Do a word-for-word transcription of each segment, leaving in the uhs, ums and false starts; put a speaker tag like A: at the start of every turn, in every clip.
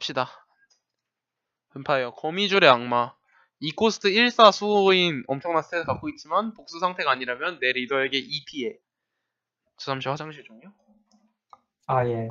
A: 갑시다. 뱀파이어 거미줄의 악마. 이 코스트 일, 사 수호인 엄청난 스탯을 갖고 있지만 복수 상태가 아니라면 내 리더에게 이 피해. 저 잠시 화장실 좀요.
B: 아, 예.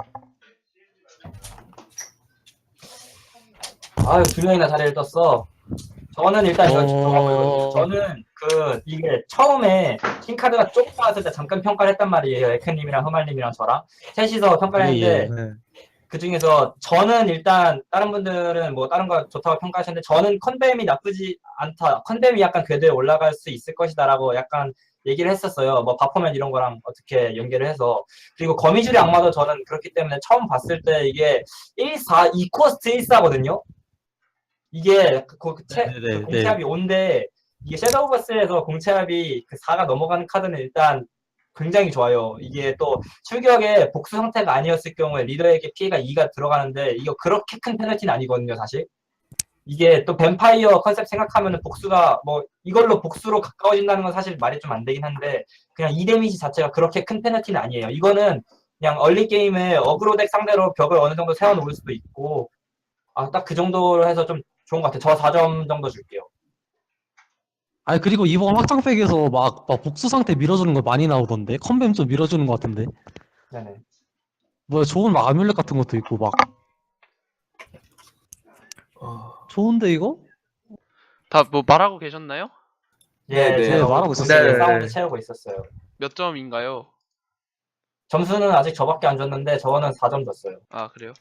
B: 아유, 두 명이나 자리를 떴어. 저는 일단 이거
C: 어...
B: 저는 그 이게 처음에 킹카드가 조금 나왔을 때 잠깐 평가를 했단 말이에요. 에크님이랑 흐말님이랑 저랑 셋이서 평가를
C: 예,
B: 했는데
C: 예.
B: 그 중에서 저는 일단 다른 분들은 뭐 다른 거 좋다고 평가하셨는데 저는 컨뱀이 나쁘지 않다. 컨뱀이 약간 궤도에 올라갈 수 있을 것이다라고 약간 얘기를 했었어요. 뭐 바퍼맨 이런 거랑 어떻게 연계를 해서. 그리고 거미줄의 악마도 저는 그렇기 때문에 처음 봤을 때 이게 일, 사, 이 코스트 일, 사거든요. 이게 그, 그, 채,
C: 네네네,
B: 그 공채합이 오인데 이게 섀도우 버스에서 공채합이 그 사가 넘어가는 카드는 일단 굉장히 좋아요. 이게 또 출격에 복수 상태가 아니었을 경우에 리더에게 피해가 이가 들어가는데 이거 그렇게 큰 페널티는 아니거든요, 사실. 이게 또 뱀파이어 컨셉 생각하면은 복수가 뭐 이걸로 복수로 가까워진다는 건 사실 말이 좀 안 되긴 한데 그냥 이 데미지 자체가 그렇게 큰 페널티는 아니에요. 이거는 그냥 얼리 게임에 어그로 덱 상대로 벽을 어느 정도 세워놓을 수도 있고 아, 딱 그 정도로 해서 좀 좋은 것 같아요. 저 사 점 정도 줄게요.
C: 아니 그리고 이번 확장팩에서 막, 막 복수 상태 밀어주는 거 많이 나오던데 컨뱀 좀 밀어주는 것 같은데
B: 네네.
C: 뭐 좋은 막 아뮬렛 같은 것도 있고 막
D: 어...
C: 좋은데 이거?
A: 다 뭐 말하고 계셨나요?
B: 예,
D: 네,
B: 제가
C: 말하고
B: 공식
C: 있었어요.
B: 사운드
D: 네.
B: 채우고 있었어요.
A: 몇 점인가요?
B: 점수는 아직 저밖에 안 줬는데 저는 사 점 줬어요.
A: 아 그래요?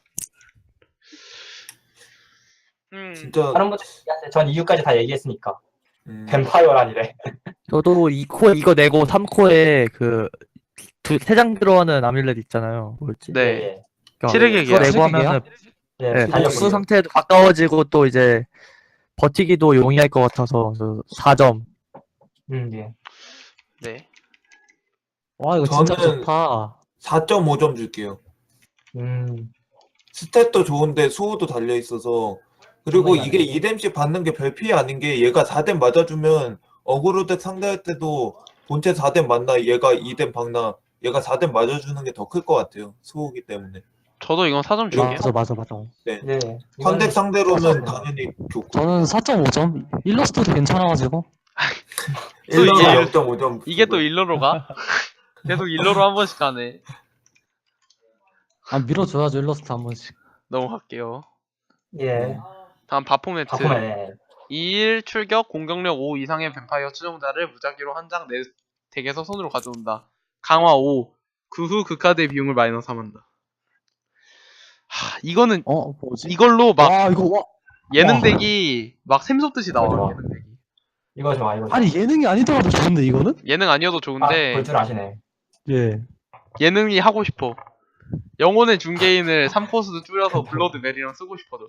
A: 음.
D: 진짜
B: 다른 분들 얘기하세요. 전 이유까지 다 얘기했으니까.
D: 음...
B: 뱀파이어란이래.
E: 저도 이 코에 이거 내고 삼 코에 그 두 세 장 들어가는 아뮬렛 있잖아요. 뭐였지?
A: 네.
B: 예,
E: 그러니까
A: 칠흑의
E: 그거
A: 계약.
E: 내고
C: 칠흑의
E: 하면은
B: 예. 예,
E: 네,
B: 달력
E: 복수
B: 보세요.
E: 상태에도 가까워지고 또 이제 버티기도 용이할 것 같아서 저 사 점.
B: 음, 예.
A: 네.
C: 와 이거 진짜
D: 저는
C: 좋다.
D: 사 점 오 점 줄게요.
B: 음,
D: 스탯도 좋은데 수호도 달려있어서 그리고
B: 정말
D: 이게
B: 많아요.
D: 이 뎀씩 받는 게 별 피해 아닌 게 얘가 사 뎀 맞아주면 어그로덱 상대할 때도 본체 사 뎀 맞나 얘가 이 뎀 박나 얘가 사 뎀 맞아주는 게 더 클 것 같아요. 수호기 때문에.
A: 저도 이건 사 점 줄게요.
C: 맞아 맞아 맞아.
D: 네.
B: 예.
D: 컨덱
B: 이거는
D: 상대로는
B: 네.
D: 당연히 좋고
C: 저는 사 점 오 점 일러스트도 괜찮아가지고
A: 또
D: 일러로
A: 이게-
D: 영 점 오 점
A: 이게 또 일로로 가? 계속 일로로 한 번씩 가네.
C: 아 밀어줘야죠 일러스트 한 번씩.
A: 넘어갈게요.
B: 예.
A: 다음 바포매트.
B: 바꾸면
A: 이 일 출격 공격력 오 이상의 뱀파이어 추종자를 무작위로 한 장 내 덱에서 손으로 가져온다. 강화 오. 그 후 그 카드의 비용을 마이너스 삼한다. 하, 이거는
C: 어 뭐지?
A: 이걸로 막
C: 와 이거 와
A: 예능
C: 와.
A: 덱이 막 샘솟듯이 나와.
B: 좋아.
A: 예능 덱이.
B: 이거 좋아, 이거 좋아.
C: 아니 예능이 아니더라도 좋은데 이거는?
A: 예능 아니어도
B: 아,
A: 좋은데
B: 볼 줄 아시네.
C: 예.
A: 예능이 하고 싶어. 영혼의 중개인을 삼 코스도 줄여서 블러드 메리랑 쓰고 싶어져.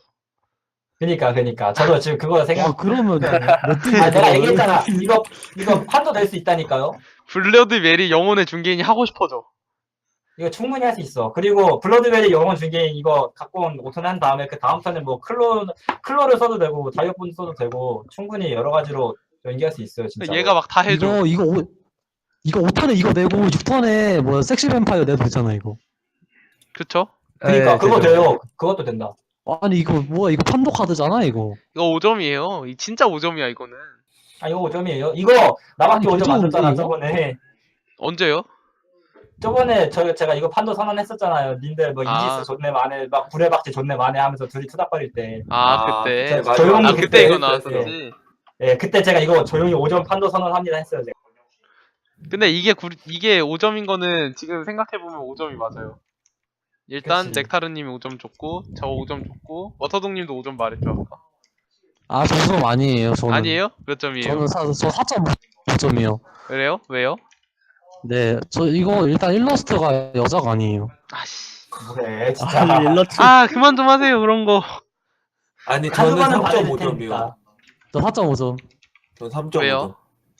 B: 그니까, 그니까. 저도 지금 그거
C: 와
B: 생각,
C: 그러면 몇
B: 아, 내가 얘기했잖아. 이거, 이거 판도 될 수 있다니까요?
A: 블러드 메리 영혼의 중개인이 하고 싶어져.
B: 이거 충분히 할 수 있어. 그리고 블러드베리 영혼 중개인 이거 갖고 온 오 턴 한 다음에 그 다음 턴에 뭐 클로, 클로를 써도 되고, 다이어폰 써도 되고, 충분히 여러 가지로 연기할 수 있어요, 진짜.
A: 얘가 막 다 해줘.
C: 이거 이거 오 이거 오 턴에 이거 내고 육 턴에 뭐 섹시 뱀파이어 내도 되잖아 이거.
A: 그쵸?
B: 그니까,
E: 네,
B: 그거
E: 되죠.
B: 돼요. 그것도 된다.
C: 아니 이거 뭐야 이거 판도 카드잖아 이거.
A: 이거 오 점이에요. 이 진짜 오 점이야 이거는.
B: 아, 이거 오 점이에요? 이거 나밖에
C: 아니,
B: 오 점 안
C: 괜찮은데,
B: 줬잖아,
C: 이거?
B: 저번에.
A: 언제요?
B: 저번에 저, 제가 이거 판도 선언했었잖아요. 님들 뭐
A: 아.
B: 이지스 존내 만에, 막 불의 박쥐 존내 만에 하면서 둘이 투닥거릴 때.
A: 아,
D: 아,
A: 그때.
D: 그때 맞아.
B: 조용히
A: 아 그때
B: 그때
A: 이거
D: 했어요.
A: 나왔었지.
B: 예, 그때 제가 이거 조용히 오 점 판도 선언합니다 했어요, 제가.
A: 근데 이게 구, 이게 오 점인 거는 지금 생각해보면 오 점이 맞아요. 일단
B: 그치.
A: 넥타르님이 오 점 줬고 저 오 점 줬고 워터동님도 오 점 말했죠 아까.
C: 아 점수는 아니에요 저는.
A: 아니에요? 몇 점이에요?
C: 저는 사, 저 사 점 오 점이요.
A: 그래요? 왜요?
C: 네, 저 이거 일단 일러스트가 여자가 아니에요.
A: 아씨.
B: 뭐래, 진짜.
E: 아, 일러트.
A: 아 그만 좀 하세요 그런 거.
D: 아니 저는
B: 카드만은
D: 삼 점
B: 받을
D: 오 점이요.
B: 테니까.
C: 저 사 점 오 점.
D: 전 삼 점 오 점.
A: 왜요?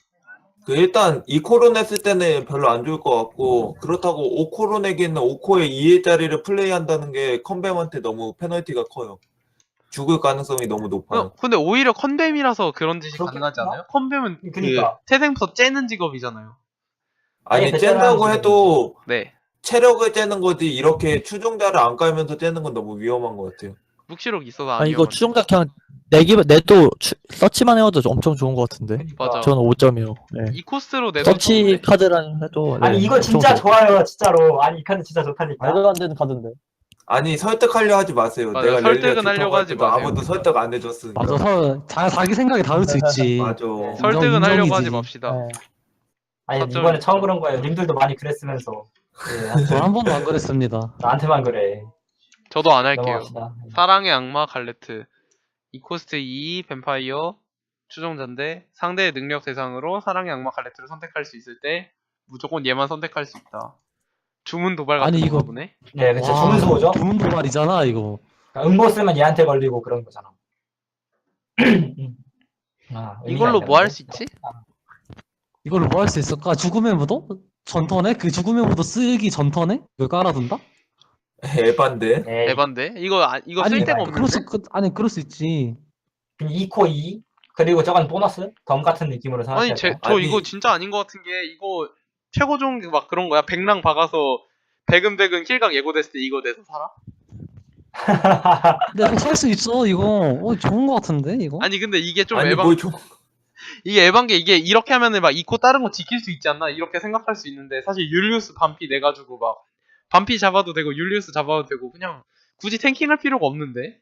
D: 그 일단 이 코로 냈을 때는 별로 안 좋을 것 같고 그렇다고 오 코로 내기는 오 코에 이 회짜리를 플레이한다는 게 컨뱀한테 너무 페널티가 커요. 죽을 가능성이 너무 높아요.
A: 어, 근데 오히려 컨뱀이라서 그런 짓이
B: 그렇겠구나?
A: 가능하지 않아요? 컨뱀은
B: 그니까.
A: 그 태생부터 째는 직업이잖아요.
D: 아니
B: 아예
D: 쨘다고
B: 베테랑
D: 해도
A: 네.
D: 체력을 째는 거지 이렇게 추종자를 안 깔면서 째는 건 너무 위험한 것 같아요.
A: 묵시록 있어서
E: 아니
A: 아니요.
E: 이거 추종자 그냥 내기만 내도 추- 서치만 해도 엄청 좋은 것 같은데.
A: 맞아.
E: 저는 오 점이요. 네.
A: 이 코스로 내서
E: 서치 카드랑 해도 네,
B: 아니 이거
E: 엄청
B: 진짜
E: 좋-
B: 좋아요 진짜로. 아니 이 카드 진짜 좋다니까.
E: 말도 안 되는 카드인데.
D: 아니 설득하려 하지 마세요.
A: 맞아,
D: 내가
A: 설득은
D: 렐리아 좋다고
A: 하려고
D: 할
A: 하지
D: 때도
A: 마세요.
D: 아무도 설득 안 해줬으니까.
C: 맞아, 서, 자, 자기 생각이 다를 수 있지.
D: 맞아.
A: 설득은
C: 인정-
A: 하려고
C: 인정이지.
A: 하지 맙시다.
E: 네.
B: 아니
A: 사점
B: 이번에 처음
A: 있죠.
B: 그런 거예요. 님들도 많이 그랬으면서. 예,
C: 저 한 번도 안 그랬습니다.
B: 나한테만 그래.
A: 저도 안 할게요.
B: 넘어갑시다.
A: 사랑의 악마 갈레트. 이 코스트 이 뱀파이어 추종자인데 상대의 능력 대상으로 사랑의 악마 갈레트를 선택할 수 있을 때 무조건 얘만 선택할 수 있다. 주문 도발 같은
C: 아니,
A: 건가
C: 이거-
A: 보네.
B: 네, 그쵸.
C: 와,
B: 주문수호죠.
C: 주문 도발이잖아, 이거.
B: 그러니까 음보 쓰면 얘한테 걸리고 그런 거잖아. 아, 의미가
A: 이걸로 뭐 할
B: 있겠는데?
A: 수 있지?
C: 이걸로 뭐 할 수 있을까? 죽음의 무도? 전턴에? 그 죽음의 무도 쓰기 전턴에? 그걸 깔아둔다?
D: 에반데.
B: 네,
A: 에반데? 이거 아, 이거 쓸
C: 아니,
A: 데가
B: 아니,
A: 없는데.
C: 그럴 수, 그, 아니, 그럴 수 있지.
B: 이 코 이 그리고 저건 보너스 덤 같은 느낌으로
A: 아니
B: 생각해요.
A: 제, 저
D: 아니.
A: 이거 진짜 아닌 것 같은 게 이거 최고 좋은 게 막 그런 거야. 백랑 박아서 백은백은 킬각 예고됐을 때 이거 내서 살아?
C: 근데 살 수 있어, 이거. 어, 좋은 거 같은데, 이거?
A: 아니 근데 이게 좀
D: 아니
A: 에반
D: 뭐 좀.
A: 이게 에반 게 이게 이렇게 하면은 막 이코 다른 거 지킬 수 있지 않나 이렇게 생각할 수 있는데 사실 율리우스 반피 내가지고 막 반피 잡아도 되고 율리우스 잡아도 되고 그냥 굳이 탱킹할 필요가 없는데.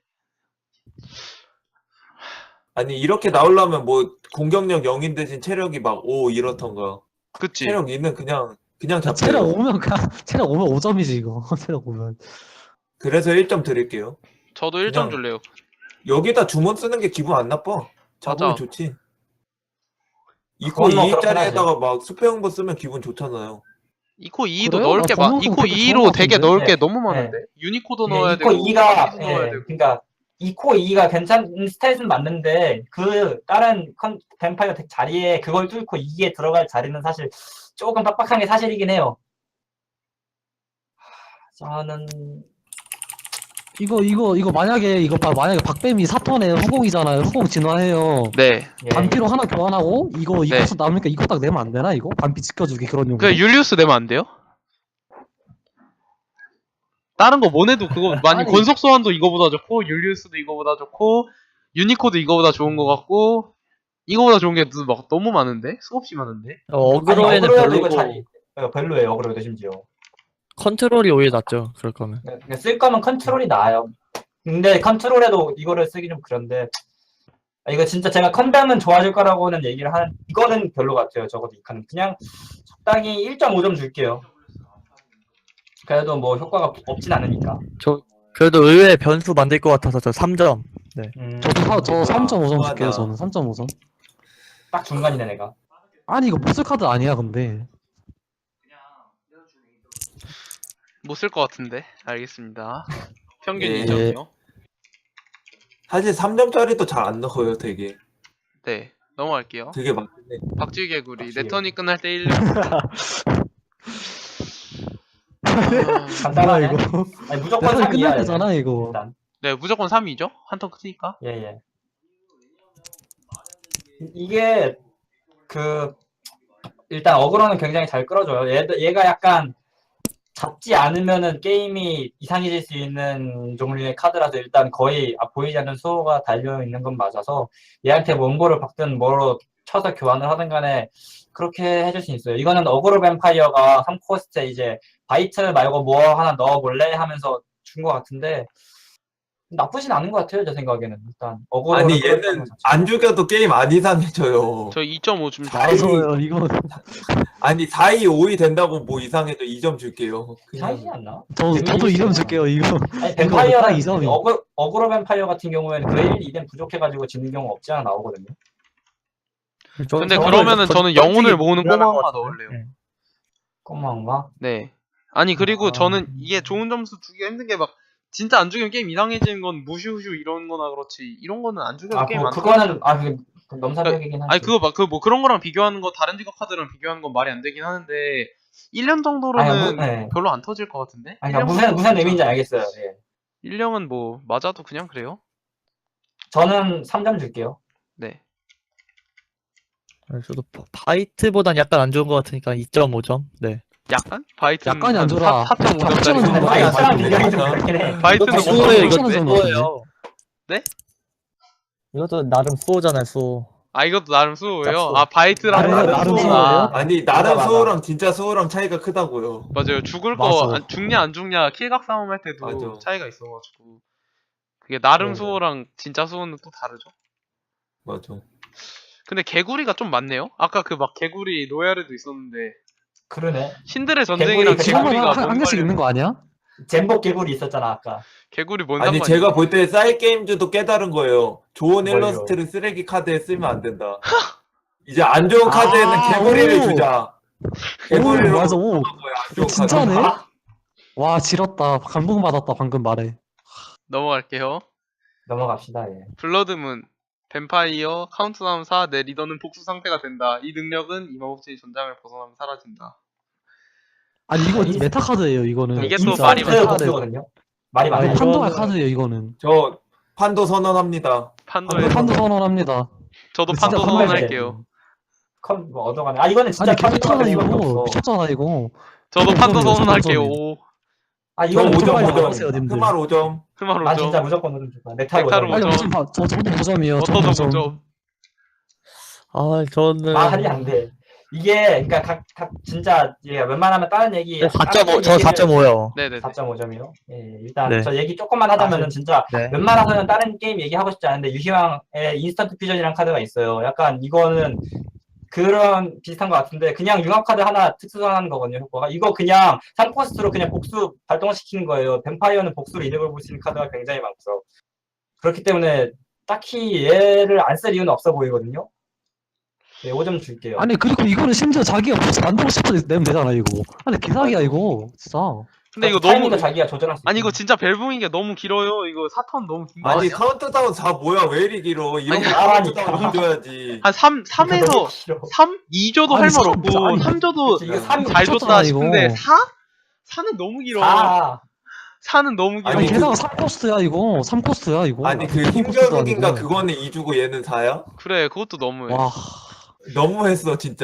D: 아니 이렇게 나오려면 뭐 공격력 영인 대신 체력이 막 오 이렇던가.
A: 그치?
D: 체력 이는 그냥 그냥 잡혀요.
C: 체력 오면, 그냥, 체력 오면 오 점이지, 이거. 체력 오면.
D: 그래서 일 점 드릴게요.
A: 저도 일 점
D: 그냥-
A: 줄래요.
D: 여기다 주문 쓰는 게 기분 안 나빠. 잡으면
A: 맞아.
D: 좋지. 이 코
B: 그건 뭐
D: 이
B: 그렇긴
D: 짜리에다가 막 수평부 쓰면 기분 좋잖아요.
A: 이코 이도
C: 그래요?
A: 넣을
C: 나
A: 게 많,
C: 전문성
A: 이코
C: 되게
A: 이로
C: 좋은
A: 되게
C: 것
A: 넣을
B: 같은데?
A: 게 너무
B: 네.
A: 많은데? 유니코도
B: 이게
A: 넣어야
B: 이 코
A: 되고
B: 이가
A: 도 넣어야
B: 예,
A: 되고.
B: 그러니까 이 코 이가 괜찮은 스탯은 맞는데 그 다른 컨 뱀파이어 덱 자리에 그걸 뚫고 이에 들어갈 자리는 사실 조금 빡빡한 게 사실이긴 해요. 하, 저는
C: 이거, 이거, 이거 만약에, 이거 봐, 만약에 박뱀이 사 턴에 후공이잖아요. 후공 진화해요.
A: 네.
B: 예,
C: 반피로 하나 교환하고, 이거, 이거
A: 네.
C: 수 남으니까 이거 딱 내면 안 되나, 이거? 반피 지켜주기 그런 용도.
A: 그 율리우스 내면 안 돼요? 다른 거 뭐내도 그거 많이
C: 아니.
A: 권속 소환도 이거보다 좋고 율리우스도 이거보다 좋고 유니코도 이거보다 좋은 거 같고 이거보다 좋은 게 막 너무 많은데? 수없이 많은데?
E: 어,
B: 아니,
E: 어그로에는
B: 어그로에도 이거
E: 별로고
B: 자리 어, 별로예요. 어그로에도 심지어.
E: 컨트롤이 오히려 낫죠. 그럴 거면.
B: 그러니까 쓸 거면 컨트롤이 나아요. 근데 컨트롤에도 이거를 쓰기 좀 그런데 아, 이거 진짜 제가 컨담은 좋아질 거라고는 얘기를 하는 이거는 별로 같아요. 적어도 이 칸은 그냥 적당히 일 점 오 점 줄게요. 그래도 뭐 효과가 없진 않으니까.
E: 저 그래도 의외의 변수 만들 것 같아서 저 삼 점.
B: 음,
C: 저도 사, 저 삼 점 오 점
D: 맞아.
C: 줄게요, 저는. 삼 점 오 점.
B: 딱 중간이네 내가.
C: 아니, 이거 못쓸 카드 아니야, 근데.
A: 못 쓸 것 같은데 알겠습니다. 평균
D: 예.
A: 이 점이요.
D: 사실 삼 점짜리도 잘 안 넣어요, 되게.
A: 네 넘어갈게요.
D: 되게 많은데.
A: 박쥐개구리
B: 박쥐개구리.
A: 내 턴이 끝날 때 일 년. 아,
B: 간단하네.
C: 뭐야, 이거.
B: 아니, 무조건
C: 내가
B: 삼이야.
C: 끝날 때잖아, 이거.
B: 일단
A: 네 무조건 삼이죠. 한 턴 크니까.
B: 예예. 이게 그 일단 어그로는 굉장히 잘 끌어줘요. 얘, 얘가 약간 잡지 않으면은 게임이 이상해질 수 있는 종류의 카드라서 일단 거의 아, 보이지 않는 수호가 달려 있는 건 맞아서 얘한테 원고를 박든 뭐로 쳐서 교환을 하든 간에 그렇게 해줄 수 있어요. 이거는 어그로 뱀파이어가 삼 코스트에 이제 바이트 말고 뭐 하나 넣어볼래 하면서 준 것 같은데 나쁘진 않은 것 같아요. 제 생각에는 일단 어그로
D: 아니 얘는 안 죽여도 게임 안 이상해져요.
A: 저 이 점 오 좀.
D: 아이.
C: 맞아요, 이거.
D: 아니 사, 이, 오, 이 된다고 뭐 이상해도 이 점 줄게요.
B: 이상하지
D: 그냥
B: 않나?
C: 저, 저도 이 점 줄게요, 이거.
B: 아니
C: 이
B: 뱀파이어는
C: 점이.
B: 어그, 어그로 뱀파이어 같은 경우에는 그 일, 이 댐 부족해가지고 지는 경우 없지 않아 나오거든요.
E: 저-
A: 근데
E: 저는
A: 그러면은
E: 저-
A: 저는
E: 솔직히
A: 영혼을 모으는
E: 불안한
A: 꼬마
E: 것
A: 하나
E: 같은데.
A: 넣을래요.
E: 네.
B: 꼬마인가?
A: 네. 아니 그리고
B: 아.
A: 저는 이게 좋은 점수 주기가 힘든 게 막 진짜 안 죽이면 게임 이상해지는 건 무슈슈 이런 거나 그렇지 이런 거는 안 죽여도
B: 아
A: 게임
B: 그,
A: 안
B: 그거는 아 그게 넘사벽이긴 하지.
A: 아니 그거 막 그 뭐 그런 거랑 비교하는 거 다른 직업 카드랑 비교하는 건 말이 안 되긴 하는데 일 년 정도로는
B: 아니, 무- 네.
A: 별로 안 터질 것 같은데?
B: 아니 그러니까 무슨 무슨 의미인지 알겠어요. 예.
A: 일 년은 뭐 맞아도 그냥 그래요?
B: 저는 삼 점 줄게요.
A: 네.
E: 네, 저도 바- 바이트보단 약간 안 좋은 것 같으니까 이 점 오 점. 네.
A: 약간? 바이트는
C: 약간이 안 좋아.
A: 사 점 오 점짜리
C: 격전은 좀
B: 근데
C: 많이
B: 바이트랑
C: 맞아요.
B: 비교하기 좀 그렇긴 해.
A: 바이트는
E: 이거
A: 못
E: 수호예요, 이거
C: 격전은 좀
E: 수호예요. 이것도 나름 수호잖아요, 수호.
A: 아 이것도 나름 수호예요.
E: 수호.
A: 아 바이트랑
C: 나름-
A: 다른
C: 나름
A: 수호구나.
C: 수호예요?
D: 아니
B: 맞아,
D: 나름
B: 맞아.
D: 수호랑 진짜 수호랑 차이가 크다고요.
A: 맞아요. 죽을
C: 맞아.
A: 거 안- 죽냐 안 죽냐 킬각 싸움 할 때도
D: 맞아.
A: 차이가 있어가지고 그게 나름
B: 네.
A: 수호랑 진짜 수호는 또 다르죠.
D: 맞아.
A: 근데 개구리가 좀 많네요. 아까 그 막 개구리 로얄에도 있었는데
B: 그러네.
A: 신들의 전쟁이랑
B: 개구리
C: 지금은
A: 개구리가
C: 한, 한
A: 뭔
C: 개씩
A: 관련-
C: 있는 거 아니야?
B: 젠복 개구리 있었잖아 아까.
A: 개구리 뭔
D: 아니
A: 상관이야?
D: 제가 볼 때 사이 게임즈도 깨달은 거예요. 좋은
B: 뭘요?
D: 일러스트를 쓰레기 카드에 쓰면 안 된다. 이제 안 좋은
C: 아,
D: 카드에는 개구리를
C: 오.
D: 주자.
C: 오,
D: 개구리로
C: 맞아, 오.
D: 거야, 안 좋은
C: 진짜네?
D: 카드.
B: 아,
C: 와, 지렸다. 감동받았다, 방금 말에.
A: 넘어갈게요.
B: 넘어갑시다. 예.
A: 블러드문 뱀파이어 카운트다운 사 내 리더는 복수 상태가 된다. 이 능력은 이마법진이 전장을 벗어나면 사라진다.
C: 아니, 이거
B: 이-
C: 메타 카드예요, 이거는.
A: 이게 또
C: 진짜.
A: 말이
B: 인스턴트
A: 많다.
B: 복수거든요. 말이
C: 아니,
B: 많아요.
C: 판도의
E: 이거는-
C: 카드예요, 이거는.
D: 저 판도 선언합니다.
A: 판도에
B: 판도
C: 판도 선언합니다.
A: 저도
C: 진짜
A: 판도
C: 판도에
A: 선언할게요.
B: 컨, 뭐 얻어가네. 아 이거는 진짜
C: 아니, 미쳤잖아,
B: 판도가
C: 이거.
B: 없어.
C: 미쳤잖아, 이거.
A: 저도 판도
C: 오점이요,
A: 선언할게요.
C: 오점이요.
A: 오.
B: 아
D: 저
B: 이거는
C: 오 점
B: 무조건
C: 빨리
B: 오점.
C: 나가세요, 님들.
D: 흠말 오 점.
A: 흐마로
B: 난
A: 오죠.
B: 진짜 무조건 오점 줄 거야. 넥타이
A: 넥타로
B: 오점.
C: 아니,
A: 오점.
C: 무슨, 봐, 저, 저도 오 점이에요. 저도
A: 워터도
C: 오 점.
A: 오죠.
E: 아, 저는.
B: 말이 안 돼. 이게 그러니까 각, 각 진짜 예, 웬만하면 다른 얘기.
E: 사 점 오, 저 사 점 오요.
A: 네네네.
B: 사 점 오 점이요. 예, 일단
E: 네.
B: 저 얘기 조금만 하자면은 진짜
E: 네.
B: 웬만해서는 다른 게임 얘기하고 싶지 않은데 유희왕의 인스턴트 퓨전이라는 카드가 있어요. 약간 이거는 그런 비슷한 것 같은데 그냥 융합 카드 하나 특수선하는 거거든요. 효과가 이거 그냥 삼 코스트로 그냥 복수 발동시키는 거예요. 뱀파이어는 복수로 이득을 볼 수 있는 카드가 굉장히 많죠. 그렇기 때문에 딱히 얘를 안 쓸 이유는 없어 보이거든요. 네, 오 점 줄게요.
C: 아니, 그리고 이거는 심지어 자기가 벌써 만들고 싶어도 내면 되잖아, 이거. 아니, 개사기야, 이거. 진짜.
A: 근데 이거
B: 타이밍도
A: 너무
B: 자기가 조절할 수
A: 아니 이거
B: 있어요.
A: 진짜 벨붕인 게 너무 길어요. 이거 사 턴 너무 긴 거
D: 아니
A: 아니야?
D: 카운트다운 사 뭐야 왜 이리 길어? 이런
A: 아니,
D: 거
B: 나라니까.
D: 카운트다운 줘야지.
A: 한 삼, 삼에서 삼? 이 줘도
C: 아니,
A: 할 말
C: 삼,
A: 없고
C: 아니,
A: 삼 줘도
B: 이거 삼
A: 잘 줬다
C: 미쳤잖아,
A: 싶은데
C: 이거.
A: 사? 사는 너무 길어.
B: 사.
A: 사는 너무 길어.
C: 아니,
D: 아니,
C: 게다가
D: 그-
C: 삼 코스트야, 이거. 삼 코스트야, 이거.
D: 아니 그
C: 삼 코스트도
D: 힘겨루기인가
C: 아니고.
D: 그거는 이 주고 얘는 사야?
A: 그래 그것도 너무해.
C: 와.
D: 너무했어 진짜.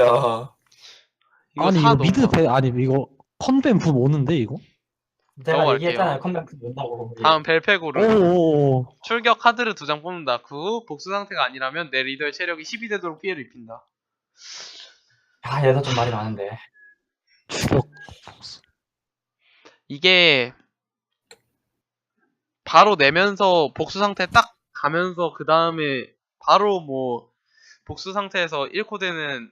A: 이거
C: 아니,
A: 사
C: 이거
A: 너무
C: 미드
A: 많아.
C: 배, 아니, 이거 컨벤 붐 오는데, 이거?
B: 제가
A: 넘어갈게요.
B: 얘기했잖아요. 컴백트 온다고. 예.
A: 다음 벨페고르
C: 오오오.
A: 출격 카드를 두 장 뽑는다. 그 후 복수 상태가 아니라면 내 리더의 체력이 십이 되도록 피해를 입힌다.
B: 아, 얘도 좀 말이 많은데.
C: 추격.
A: 이게 바로 내면서 복수 상태 딱 가면서 그 다음에 바로 뭐 복수 상태에서 일 코 되는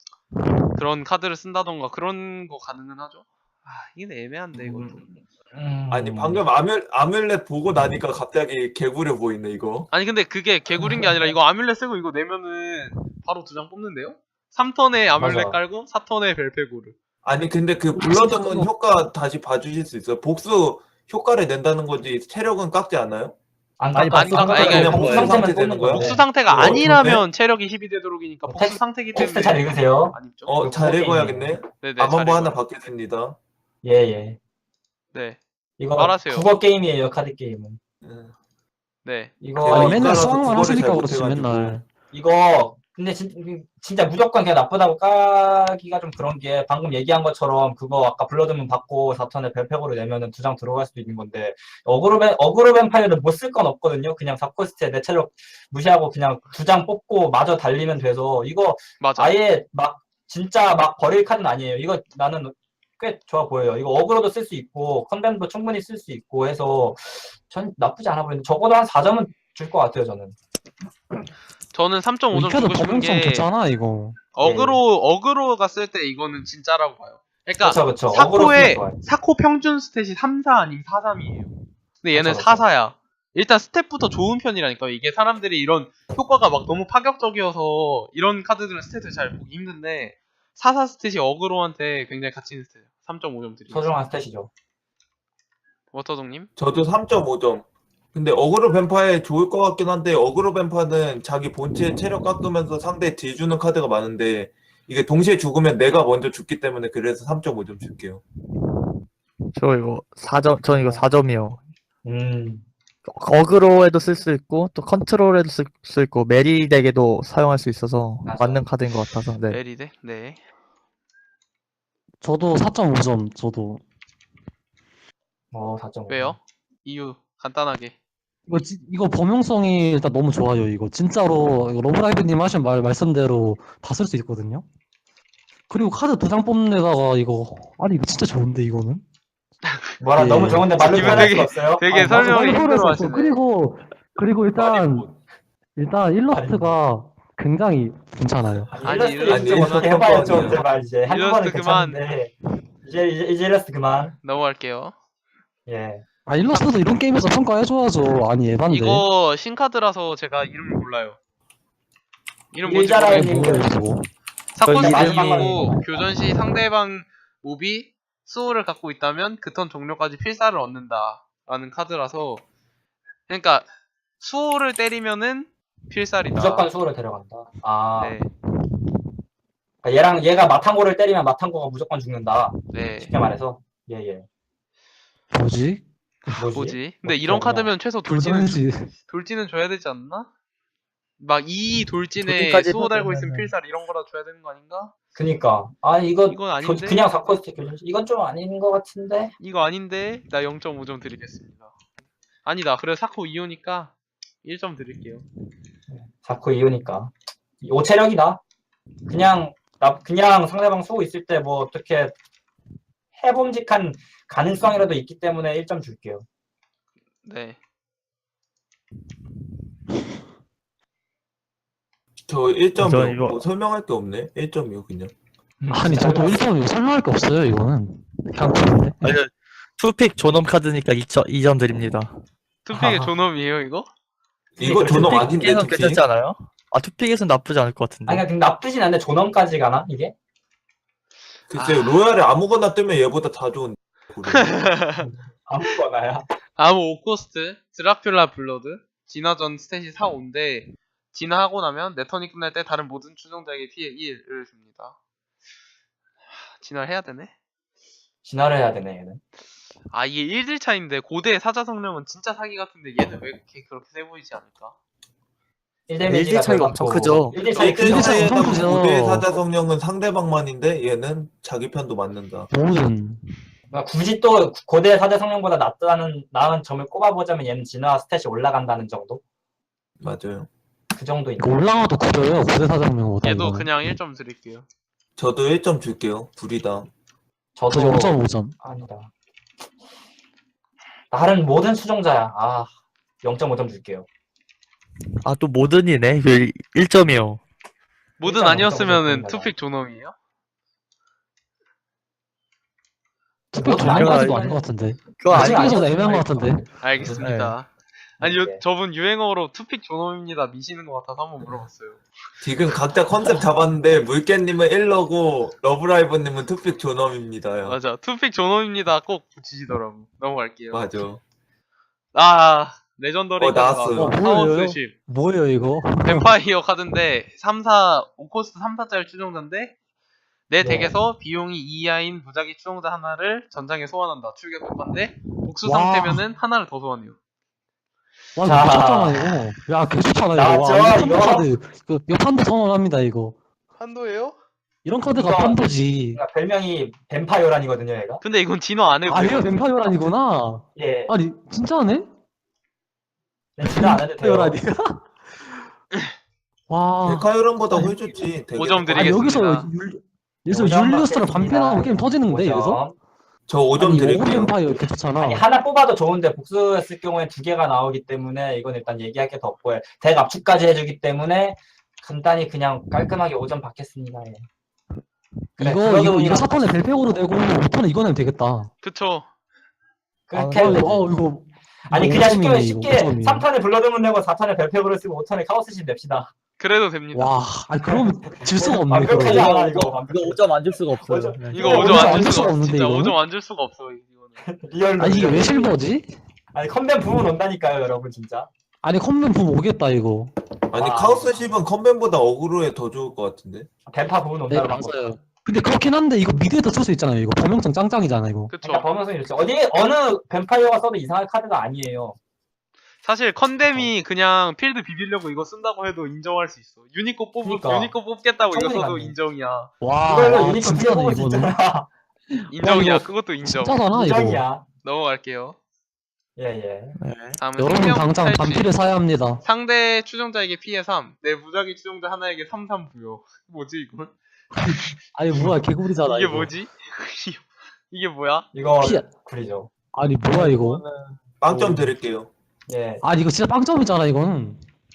A: 그런 카드를 쓴다던가 그런 거 가능은 하죠. 아 이게 애매한데 이것도.
B: 음.
D: 아니 방금 아뮬 아뮬렛 보고 나니까 갑자기 개구려 보이네 이거.
A: 아니 근데 그게 개구린 게 아니라 이거 아뮬렛 쓰고 이거 내면은 바로 두 장 뽑는데요? 삼 턴에 아뮬렛
B: 맞아.
A: 깔고 사 턴에 벨페고르.
D: 아니 근데 그 블러드문 효과 다시 봐주실 수 있어요? 복수 효과를 낸다는 거지 체력은 깎지 않아요?
B: 안
E: 아니,
B: 깎아.
A: 안 깎아.
B: 깎아.
A: 그냥
B: 복수
D: 복수
B: 상태만
D: 상태 되는
B: 뽑는
D: 거야?
B: 건데.
A: 복수 상태가
D: 어,
A: 아니라면 체력이 십이 되도록이니까
B: 어,
A: 복수
B: 텍-
A: 상태이기 때문에
B: 텍스트 잘 읽으세요.
A: 안 입죠.
D: 어 잘
B: 그거
D: 읽어야겠네.
A: 네네.
D: 암
A: 잘
D: 한번 하나
A: 읽어요.
D: 받겠습니다.
B: 예, 예.
A: 네.
B: 이거
A: 말하세요.
B: 국어 게임이에요, 카드 게임은.
D: 음.
A: 네.
B: 이거
D: 제가
C: 아니,
D: 이-
C: 맨날
D: 이거라서
C: 수학만
D: 국어를
C: 하시니까
D: 잘
C: 그렇지,
D: 못해가지고.
C: 맨날.
B: 이거 근데 진, 진짜 무조건 그냥 나쁘다고 까기가 좀 그런 게 방금 얘기한 것처럼 그거 아까 블러드문 받고 사 턴에 벨팩으로 내면은 두 장 들어갈 수도 있는 건데 어그로 뱀 어그로 뱀파이어는 못 쓸 건 없거든요. 그냥 사 코스트에 내 체력 무시하고 그냥 두 장 뽑고 마저 달리면 돼서 이거
A: 맞아.
B: 아예 막 진짜 막 버릴 카드는 아니에요. 이거 나는 꽤 좋아 보여요. 이거 어그로도 쓸 수 있고 컨덴도 충분히 쓸 수 있고 해서 전 나쁘지 않아 보이는데 적어도 한 사 점은 줄 것 같아요. 저는.
A: 저는 삼 점 오 점
C: 이 카드
A: 주고 싶은
C: 범용성
A: 게
C: 좋잖아, 이거.
A: 어그로 어그로가 쓸 때 이거는 진짜라고 봐요. 그러니까
B: 그렇죠, 그렇죠. 어그로 쓰면
A: 사코의
B: 좋아요.
A: 사코 평균 스탯이 삼, 사 아니면 사, 삼이에요. 근데 얘는
B: 그쵸,
A: 사, 사야. 일단 스탯부터 좋은 편이라니까. 이게 사람들이 이런 효과가 막 너무 파격적이어서 이런 카드들은 스탯을 잘 보기 힘든데 사, 사 스탯이 어그로한테 굉장히 가치 있는 스탯이에요. 삼 점 오 점 드리고.
B: 소중한 스탯이죠.
A: 워터동님?
D: 저도 삼 점 오 점. 근데 어그로 뱀파에 좋을 것 같긴 한데 어그로 뱀파는 자기 본체 체력 깎으면서 상대 딜 주는 카드가 많은데 이게 동시에 죽으면 내가 먼저 죽기 때문에 그래서 삼 점 오 점 줄게요.
E: 저 이거 사 점, 전 이거 사 점이요.
B: 음.
E: 어그로에도 쓸 수 있고, 또 컨트롤에도 쓸 수 있고, 메리덱에도 사용할 수 있어서
B: 맞아.
E: 맞는 카드인 것 같아서, 네.
A: 메리데? 네.
C: 저도 사 점 오 점, 저도.
B: 어, 사 점 오.
A: 왜요? 이유 간단하게.
C: 이거 지- 이거 범용성이 일단 너무 좋아요. 이거 진짜로 이거 러브라이브님 하신 말 말씀대로 다 쓸 수 있거든요. 그리고 카드 두 장 뽑는 데다가 이거 아니 이거 진짜 좋은데 이거는.
B: 뭐라
C: 예.
B: 너무 좋은데 말로
A: 기분
B: 표현할
A: 되게-
B: 수 없어요.
A: 되게
B: 아니,
A: 설명이
B: 너무-
C: 많이
A: 힘들어
C: 보냈었어.
A: 하시네.
C: 그리고 그리고 일단
B: 뭐-
C: 일단 일러스트가 굉장히 괜찮아요.
B: 아니,
A: 아니,
B: 일러스트
A: 일러스트
B: 좀 어떻게
D: 그만.
B: 해봐요 좀 제발 이제 한두 번은
A: 일러스트 그만.
B: 괜찮은데 이제 이제 이제 일러스트 그만.
A: 넘어갈게요.
B: 예.
C: 아 일러스트도 이런 게임에서 평가해줘야죠. 아니 에반데.
A: 이거 신카드라서 제가 이름을 몰라요. 이름 뭔지
B: 일자라는
A: 모르겠고
B: 이름을-
C: 뭐야 이거.
A: 사건
E: 그 이름이-
A: 수준이고 교전 시 상대방 몹이 수호를 갖고 있다면 그 턴 종료까지 필사를 얻는다 라는 카드라서 그러니까 수호를 때리면은 필살이다.
B: 무조건 수호를 데려간다. 아
A: 네,
B: 그러니까 얘랑 얘가 마탕고를 때리면 마탕고가 무조건 죽는다.
A: 네.
B: 쉽게 말해서 예예.
C: 뭐지?
B: 뭐지?
A: 뭐지? 근데
B: 어떻게
A: 이런
B: 하냐.
A: 카드면 최소 돌진은 주-
C: 돌진이지.
A: 돌진은 줘야 되지 않나? 막 이 돌진에
E: 돌진까지
A: 수호 달고 있으면
E: 해보면은-
A: 필살 이런 거라 줘야 되는 거 아닌가?
B: 그니까 아 이거
A: 이건 아닌데?
B: 교- 그냥 사코스트 교전 이건 좀 아닌 것 같은데.
A: 이거 아닌데 나 영 점 오 점 드리겠습니다. 아니다. 그래 사코 이 호니까 일 점 드릴게요.
B: 자꾸 이으니까 오체력이다. 그냥 나 그냥 상대방 수호 있을 때 뭐 어떻게 해봄직한 가능성이라도 있기 때문에 일 점 줄게요.
A: 네.
D: 저 일 점
E: 저
D: 뭐
E: 이거-
D: 설명할 게 없네. 일 점이요 그냥.
C: 아니 저도 일 점 이거 설명할 게 없어요 이거는. 그냥 그런데.
E: 아니, 투픽 존엄 카드니까 이 점, 이 점 드립니다.
A: 투픽의
B: 아하.
A: 존엄이에요 이거?
D: 이거 존엄 아닌데
E: 투픽에선
D: 특히.
E: 괜찮지 않아요? 아, 투픽에선 나쁘지 않을 것 같은데.
B: 아니 그냥 나쁘진 않은데 존엄까지 가나 이게?
D: 글쎄
A: 아.
D: 로얄에 아무거나 뜨면 얘보다 다 좋은.
B: 아무거나야.
A: 아무 오코스트 드라큘라 블러드 진화전 스탯이 사, 오인데 진화하고 나면 내 턴이 끝날 때 다른 모든 추종자에게 피해 일을 줍니다. 하, 진화를 해야 되네?
B: 진화를 해야 되네 얘는.
A: 아 이게 일 딜 차인데 고대의 사자 성령은 진짜 사기 같은데 얘는 왜 이렇게 그렇게 세 보이지 않을까?
B: 일
E: 일
B: 데미지가
E: 딜 차이가 엄청 크죠.
B: 일 딜 차이
C: 일 딜
B: 크죠.
C: 차이 엄청
D: 일대에다
C: 크죠.
D: 고대 사자 성령은 상대방만인데 얘는 자기 편도 맞는다.
C: 모든.
B: 그러니까 굳이 또 고대 사대 성령보다 낫다는 나은 점을 꼽아보자면 얘는 진화 스탯이 올라간다는 정도?
D: 맞아요.
B: 그 정도
C: 이거
B: 있는.
C: 올라가도 구려요 고대 사장명보다.
A: 얘도
C: 이거는.
A: 그냥 일 점 드릴게요.
D: 저도 일 점 줄게요. 둘이다.
B: 저도
C: 저 영 점 오 점.
B: 아니다. 다른 모든 수종자야. 아 영 점 오 점 줄게요.
E: 아, 또 모든이네. 일 점이요.
A: 모든
B: 일단
A: 아니었으면은
B: 엄청
A: 투픽 존엄이에요?
C: 투표
B: 모든
C: 종류까지도
E: 아니야.
C: 아닌 것 같은데.
E: 그거
B: 아직
E: 아니,
C: 아직
B: 아니었어요.
C: 애매한 것 같은데.
A: 알겠습니다. 아니 요,
B: 네.
A: 저분 유행어로 투픽 존엄입니다 미시는 것 같아서 한번 물어봤어요.
D: 지금 각자 컨셉 잡았는데 물개님은 일러고 러브라이브님은 투픽 존엄입니다요.
A: 맞아 투픽 존엄입니다 꼭 붙이시더라고. 넘어갈게요.
D: 맞아.
A: 아 레전더리
D: 어, 나왔어요.
C: 어, 뭐예요?
A: 카운스십
C: 뭐예요 이거?
A: 뱀파이어 카드인데 삼, 사 오코스트 삼, 사짜리 추종자인데 내
B: 네.
A: 덱에서 비용이 이 이하인 무작위 추종자 하나를 전장에 소환한다. 출격 효과인데 복수
C: 와.
A: 상태면은 하나를 더 소환해요.
C: 와 이거
B: 자.
C: 미쳤잖아 이거. 야 개좋잖아 이거.
B: 나왔죠,
C: 와, 이거 판도
B: 이거?
C: 카드. 이거, 이거 판도 선언합니다 이거.
A: 한도예요?
C: 이런 카드가
B: 이거-
C: 판도지.
B: 그러니까 별명이 뱀파이어란이거든요, 얘가.
A: 근데 이건 진화 안 해도
C: 아
A: 돼요.
C: 얘가 뱀파이어란이구나.
B: 예.
C: 아니 진짜네?
B: 네, 진화 안 해도 돼요.
C: 뱀파이어란이야? 와.
D: 데카요런보다 훨 좋지. 되게
A: 오 점
D: 좋다.
C: 아니 여기서
A: 드리겠습니다.
C: 율, 여기서
B: 오 점
C: 율리우스랑 반패
B: 받겠습니다.
C: 나오면 게임 터지는데 여기서?
B: 오 점.
D: 저 오 점
C: 아니
D: 드릴게요.
C: 오브 뱀파이어 이렇게 좋잖아.
B: 아니 하나 뽑아도 좋은데 복수했을 경우에 두 개가 나오기 때문에 이건 일단 얘기할 게 더 없고요. 덱 압축까지 해주기 때문에 간단히 그냥 깔끔하게 오 점 받겠습니다. 예. 그래,
C: 이거
B: 그러다
C: 이거
B: 보니까
C: 이거 사 턴에 벨팩으로 내고 오 턴에 이거내면 되겠다.
A: 그쵸.
B: 그렇게
C: 아,
B: 해도 되지.
C: 어 이거
B: 아니
C: 이거
B: 그냥 쉽게
C: 오점이네,
B: 쉽게
C: 이거 오점이네.
B: 삼 턴에 블러드문 내고 사 턴에 벨팩으로 쓰고 오 턴에 카오스신 냅시다.
A: 그래도 됩니다.
C: 와, 아니 그러면 질 수가 없네.
B: 완벽하지
C: 그러면.
B: 않아 이거.
E: 이거 오 점 안 줄 수가 없어요.
B: 오 점.
E: 네.
A: 이거
B: 이거
A: 오 점
C: 오점
A: 안
C: 안
A: 줄
C: 줄
A: 수가
C: 수가
A: 없어.
C: 없는데,
A: 진짜
C: 이거는?
A: 오 점 안 줄 수가 없어 이거는.
B: 리얼로.
C: 아니 이게 왜
B: 리얼로.
C: 실버지?
B: 아니 컨벤 부분 온다니까요, 여러분 진짜.
C: 아니 컴면 붐 오겠다 이거.
D: 아니
B: 와.
D: 카오스 십은 컨벤보다 어그로에 더 좋을 것 같은데.
B: 뱀파 부분
C: 네
B: 온다는 거.
C: 맞아요. 근데 그렇긴 한데 이거 미드에도 쓸 수 있잖아요. 이거 범용성 짱짱이잖아 이거.
A: 그쵸.
B: 그러니까 범용성이 좋죠. 어디 어느 뱀파이어가 써도 이상한 카드가 아니에요.
A: 사실 컨뎀이 그냥 필드 비비려고 이거 쓴다고 해도 인정할 수 있어. 유니코 뽑
B: 그러니까.
A: 유니코 뽑겠다고 이거
B: 충분히
A: 써도
B: 가능해.
A: 인정이야.
C: 와,
B: 이걸로
C: 와,
B: 유니콘
C: 진짜네
B: 뽑을 수
C: 이거는.
B: 있잖아.
A: 인정이야.
C: 이거
A: 그것도 인정.
C: 진짜잖아 이거.
B: 인정이야.
A: 넘어갈게요.
B: 예, 예.
E: 네.
A: 다음은
C: 여러분
A: 생명
C: 당장
A: 탈취.
C: 반피를 사야 합니다.
A: 상대 추종자에게 피해 삼. 내 무작위 추종자 하나에게 삼 삼 부여. 뭐지 이건?
C: 아니 뭐야 개구리잖아
A: 이게
C: 이거.
A: 뭐지? 이게 뭐야?
B: 이거
C: 피-
B: 굴이죠.
C: 아니 뭐야 이거.
D: 빵점 드릴게요.
B: 예.
C: 아니 이거 진짜 빵점이잖아 이거는.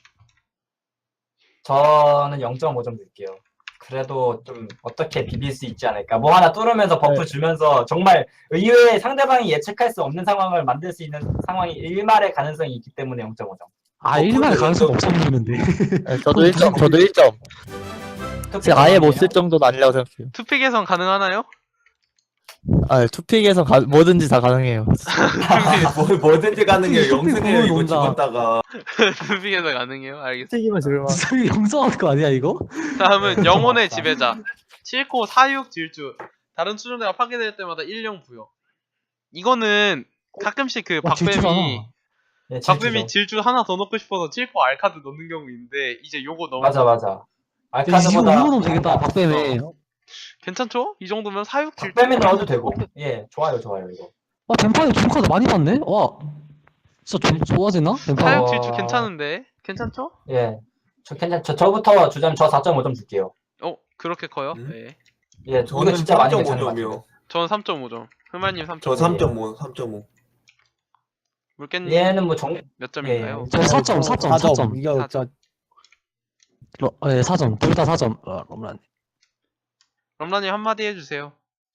B: 저는 영 점 오 점 드릴게요. 그래도 좀 어떻게 비빌 수 있지 않을까. 뭐 하나 뚫으면서 버프
C: 네.
B: 주면서 정말 의외의 상대방이 예측할 수 없는 상황을 만들 수 있는 상황이 일말의 가능성이 있기 때문에 영 점 오 점.
C: 아
D: 어,
C: 일말
D: 근데
C: 가능성
D: 왜
C: 없어 보이는데.
E: 네, 저도 일 점, 저도 일 점. 제가 아예 못 쓸 정도는 아니라고 생각해요.
A: 투픽 개선 가능하나요?
E: 아, 투픽에서 가, 뭐든지 다 가능해요.
D: 뭐, 뭐든지 가능해요.
C: 쇼핑
D: 영승해요. 이거
C: 부분 논다.
D: 집었다가.
A: 투픽 개선 가능해요? 알겠습니다.
E: 투픽이면 지을만.
C: 진짜 이거 영성할 거 아니야 이거?
A: 다음은 영혼의 지배자. 칠 코 사 육 질주. 다른 추종자가 파괴될 때마다 일 령 부여. 이거는 가끔씩 그
C: 와 질주잖아.
A: 박뱀이
B: 예,
A: 박뱀이
B: 질주죠.
A: 질주 하나 더 넣고 싶어서 칠 코 알카드 넣는 경우 있는데 이제 요거 너무
B: 맞아, 맞아.
C: 야, 이거
B: 알카드보다
C: 이거 넣으면 되겠다 박뱀에.
A: 괜찮죠? 이 정도면 사 육 질주.
B: 박뱀에 넣어도 되고. 예, 좋아요, 좋아요, 이거.
C: 아 뱀파이어 좋은 카드 많이 봤네. 와 진짜 좀 좋아지나?
A: 사
C: 뱀파이어.
A: 육 질주 괜찮은데? 괜찮죠?
B: 예. 저 괜찮, 저, 저부터 주자면 저 사 점 오 점 줄게요.
A: 어 그렇게 커요?
D: 음?
A: 네.
B: 예, 이거
D: 저는
B: 진짜 많이
D: 삼 점 오
B: 괜찮은 것 같아요.
D: 점이요.
A: 저는 삼 점 오 점. 흑마님 삼 점 오.
D: 저 삼 점 오, 삼 점 오.
A: 물개님
B: 얘는 뭐 정,
A: 몇 점인가요?
C: 저 사 점, 사 점, 사 점.
E: 이거
A: 사 점.
E: 진짜
C: 어, 예, 사 점. 둘 다 사 점. 아, 럼란.
A: 럼라님 한마디 해주세요.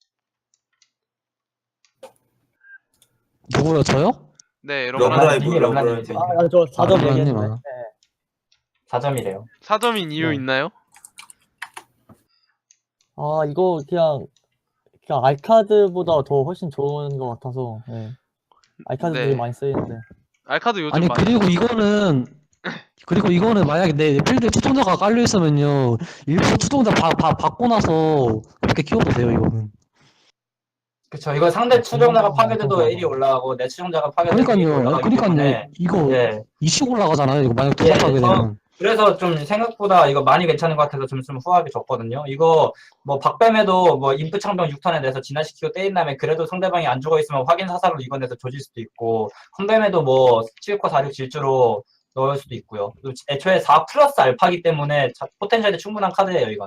C: 누구요? 저요?
A: 네,
D: 러브라이브,
A: 럼라님
B: 님이 럼라님이
D: 러브라이브.
B: 아,
E: 아, 저 사 점
C: 아,
E: 얘기했네.
C: 럼라님, 아.
B: 사 점이래요.
A: 사 점인 이유
B: 네.
A: 있나요?
E: 아, 이거 그냥 그냥 알카드보다 더 훨씬 좋은 것 같아서. 예. 알카드
A: 네.
E: 되게 많이 쓰이는데.
A: 알카드 요즘
C: 아니
A: 많이
C: 그리고 이거는 그리고 이거는 만약에 내 필드에 추종자가 깔려 있으면요 일부러 추종자 바, 바, 받고 나서 그렇게 키워도 돼요 이거는.
B: 그쵸. 이거 상대 추종자가
C: 음,
B: 파괴돼도
C: 맞아.
B: 일이 올라가고 내 추종자가 파괴돼도 일이
C: 그러니까요.
B: 올라가기
C: 그러니까요.
B: 때문에
C: 이거
B: 예.
C: 이슈 올라가잖아요. 이거 만약
B: 예,
C: 두장 하게 되면.
B: 그래서 좀 생각보다 이거 많이 괜찮은 것 같아서 좀, 좀 후하게 줬거든요. 이거 뭐 박뱀에도 뭐 인프 창병 육 턴에 내서 진화시키고 때린 다음에 그래도 상대방이 안 죽어 있으면 확인 사살로 이건해서 조질 수도 있고 컴뱀에도 뭐 칠 코 사 육 질주로 넣을 수도 있고요. 또 애초에 사 플러스 알파기 때문에 자- 포텐셜이 충분한 카드예요, 이건.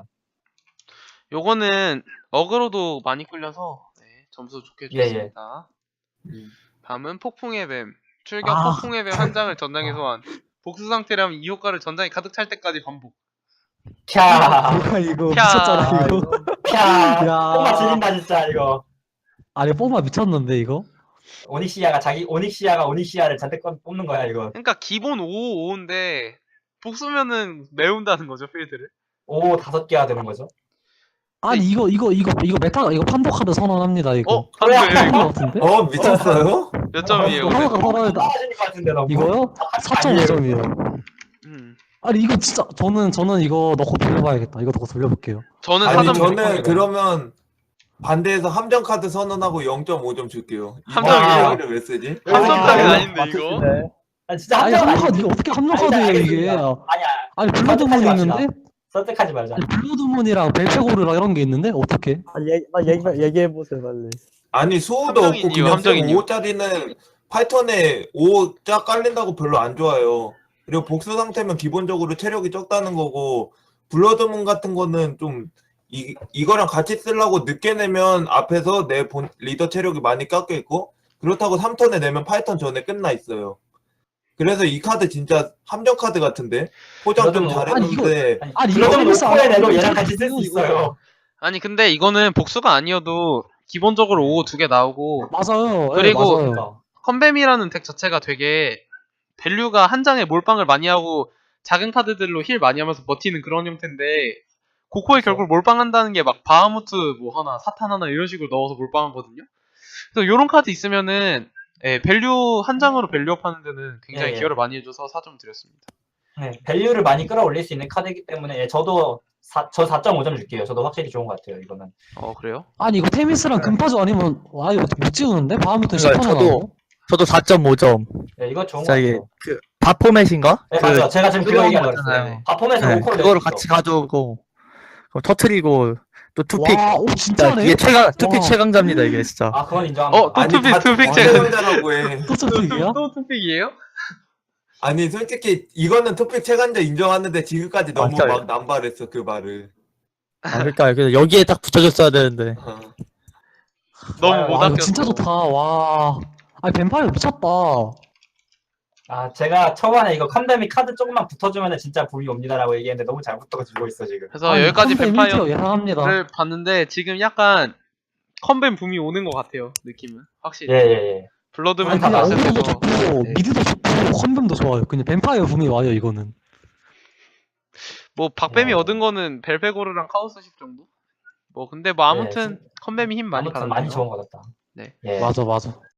A: 요거는 어그로도 많이 끌려서 네, 점수 좋게
B: 예, 예.
A: 줬습니다.
D: 음.
A: 다음은 폭풍의 뱀. 출격
C: 아.
A: 폭풍의 뱀 한 장을 전장에 소환. 복수 상태라면 이 효과를 전장이 가득 찰 때까지 반복.
B: 캬,
C: 뭐야 이거
A: 야.
C: 미쳤잖아 이거.
B: 캬.
C: 야.
B: 뽕마 지린다, 진짜, 이거.
C: 아니 뽀마 미쳤는데 이거.
B: 오닉시아가 자기, 오닉시아가 오닉시아를 잔뜩 꺼- 뽑는 거야, 이거.
A: 그러니까 기본 오, 오인데 복수면은 메운다는 거죠 필드를.
B: 오, 다섯 개가 되는 거죠.
C: 아니 이거 이거 이거 이거 메타 이거 판도 카드 선언합니다 이거.
A: 어? 한거예요
C: 이거
A: 이거?
C: 같은데?
D: 어, 미쳤어요?
A: 몇 점이에요? 근데?
C: 하나가 선언했다.
B: 떨어지는 것 같은데, 너무.
C: 이거요? 사 점 오 점이에요.
A: 음.
C: 아니 이거 진짜 저는 저는 이거 넣고 돌려봐야겠다. 이거 넣고 돌려볼게요.
A: 저는
D: 아니,
A: 사 점
D: 저는 그러면 반대해서 함정 카드 선언하고 영 점 오 점 줄게요.
A: 함정이에요?
D: 이거를 왜 쓰지?
A: 함정까지
B: 와.
A: 아닌데 이거?
B: 아, 진짜
C: 아니
B: 함정
C: 함정
B: 아니야.
C: 카드 이거 어떻게 함정
B: 아니,
C: 카드예요
B: 알겠습니다.
C: 이게?
B: 아니야.
C: 아니 블러드문이
B: 선택하지
C: 있는데?
B: 선택하지 말자.
C: 아니 블러드문이랑 벨페고르랑 이런 게 있는데 어떻게?
E: 아, 얘기, 아, 얘기, 얘기해보세요, 빨리.
D: 아니, 수호도
A: 함정인
D: 없고
A: 이유,
D: 그냥
A: 함정인 이유.
D: 오 짜리는 파이턴에 오 짜 깔린다고 별로 안 좋아요. 그리고 복수 상태면 기본적으로 체력이 적다는 거고, 블러드문 같은 거는 좀 이, 이거랑 같이 쓰려고 늦게 내면 앞에서 내 본 리더 체력이 많이 깎여 있고, 그렇다고 삼 턴에 내면 파이턴 전에 끝나 있어요. 그래서 이 카드 진짜 함정 카드 같은데? 포장 좀
B: 블러드문-
D: 잘했는데,
C: 아니 이거
B: 블러드문
C: 테니스 안
B: 노코에 내도
C: 하고
B: 얘랑 같이 쓸 수
C: 이거.
B: 있어요.
A: 아니 근데 이거는 복수가 아니어도 기본적으로 오 두 개 나오고
C: 맞아요. 예,
A: 그리고
C: 맞아요.
B: 그러니까.
A: 컨뱀이라는 덱 자체가 되게 밸류가 한 장에 몰빵을 많이 하고 작은 카드들로 힐 많이 하면서 버티는 그런 형태인데 고코에
B: 그렇죠.
A: 결국 몰빵한다는 게 막 바하무트 뭐 하나 사탄 하나 이런 식으로 넣어서 몰빵하거든요. 그래서 요런 카드 있으면은 예, 밸류 한 장으로 밸류업 하는 데는 굉장히
B: 예, 예.
A: 기여를 많이 해줘서 사 점 드렸습니다.
B: 네, 밸류를 많이 끌어올릴 수 있는 카드이기 때문에 예, 저도 사, 저 사 점 오 점 줄게요. 저도 확실히 좋은 것 같아요. 이거는.
A: 어 그래요?
C: 아니 이거 테미스랑 금파조 아니면 와 이거 못 찍우는데? 바하무트 십
E: 그러니까
C: 턴
E: 저도-
C: 나오고.
E: 저도 사 점 오 점.
B: 예, 이거 좋은 것
E: 진짜 이게,
B: 같아요.
E: 그, 바포맷인가?
B: 네,
E: 그,
B: 맞아. 제가 지금 그거
E: 뜨거운
B: 얘기하려고
E: 거잖아요.
B: 했어요. 바폼에서
E: 네,
B: 오코를
E: 그거를
B: 낼수
E: 같이
B: 있어.
E: 가져오고, 그럼 터트리고, 또 투픽.
C: 와, 오,
E: 진짜
C: 진짜네?
E: 이게 최강 투픽
C: 와.
E: 최강자입니다 이게 진짜.
B: 아 그건 인정합니다.
A: 어, 또
D: 아니
A: 투픽,
D: 다
A: 투픽
D: 투픽
A: 제가-
D: 최강자라고 해.
C: 또 투픽이야?
A: 또 투픽이에요?
D: 아니 솔직히 이거는 투픽 최강자 인정하는데 지금까지 너무
E: 맞아요.
D: 막 남발했어 그 말을.
E: 아 그러니까 그래서 여기에 딱 붙여줬어야 되는데.
D: 어.
A: 너무
B: 와,
A: 못
C: 와, 이거
A: 아꼈어.
C: 진짜 좋다. 와. 아니, 뱀파이어 미쳤다.
B: 아 제가 초반에 이거 컴데미 카드 조금만 붙어주면 진짜 붐이 옵니다라고 얘기했는데 너무 잘 붙어지고 있어 지금.
A: 그래서
C: 아니,
A: 여기까지
C: 컴백
A: 뱀파이어를
C: 일티어 예상합니다.
A: 봤는데 지금 약간 컴뱀 붐이 오는 것 같아요. 느낌은 확실히.
B: 예예예.
A: 블러드문
C: 아니,
B: 다
C: 그냥
A: 나왔을
C: 어그로도
A: 때도
C: 좋고,
A: 네.
C: 미드도 좋고, 컨돔도 좋아요. 그냥 뱀파이어 붐이 와요, 이거는.
A: 뭐 박뱀이
B: 어.
A: 얻은 거는 벨페고르랑 카오스식 정도? 뭐 근데 뭐 아무튼 컴뱀이 힘 많이
B: 아무튼
A: 받았네요.
B: 많이 좋은 거 같다.
A: 네.
B: 예.
C: 맞아, 맞아.